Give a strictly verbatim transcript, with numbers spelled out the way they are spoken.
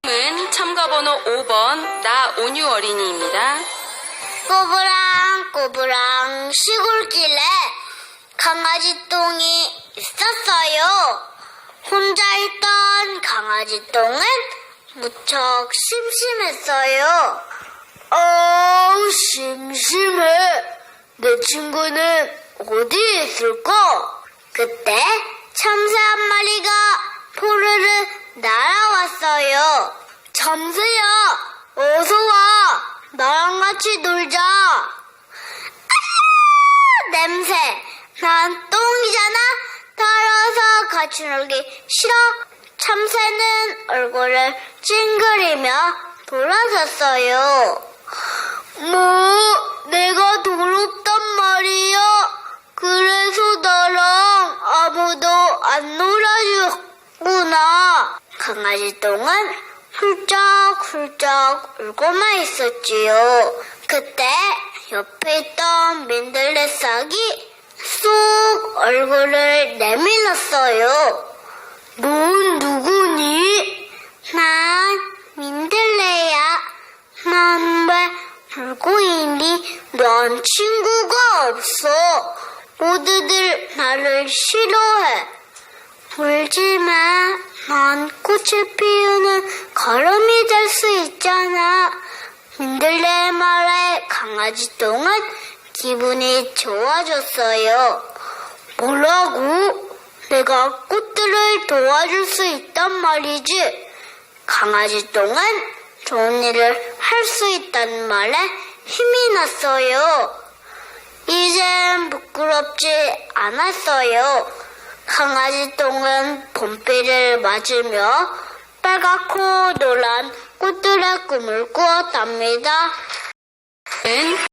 은 참가번호 오 번 나온유 어린이입니다. 꼬부랑 꼬부랑 시골길에 강아지 똥이 있었어요. 혼자 있던 강아지 똥은 무척 심심했어요. 어우, 심심해. 내 친구는 어디에 있을까? 그때 참새 한 마리가 포르르 날아왔어요. 참새야, 어서 와. 나랑 같이 놀자. 아, 냄새. 난 똥이잖아. 따라서 같이 놀기 싫어. 참새는 얼굴을 찡그리며 돌아섰어요. 뭐, 내가 더럽단 말이야. 그래서 나랑 아무도 안 놀아주구나. 강아지 똥은 훌쩍훌쩍 울고만 있었지요. 그때 옆에 있던 민들레 싹이 쏙 얼굴을 내밀었어요. 넌 누구니? 난 민들레야. 난 왜 울고 있니? 난 친구가 없어. 모두들 나를 싫어해. 울지 마. 난 꽃을 피우는 걸음이 될 수 있잖아. 민들레의 말에 강아지 똥은 기분이 좋아졌어요. 뭐라고? 내가 꽃들을 도와줄 수 있단 말이지. 강아지 똥은 좋은 일을 할 수 있다는 말에 힘이 났어요. 이젠 부끄럽지 않았어요. 강아지 똥은 봄비를 맞으며 빨갛고 노란 꽃들의 꿈을 꾸었답니다. 은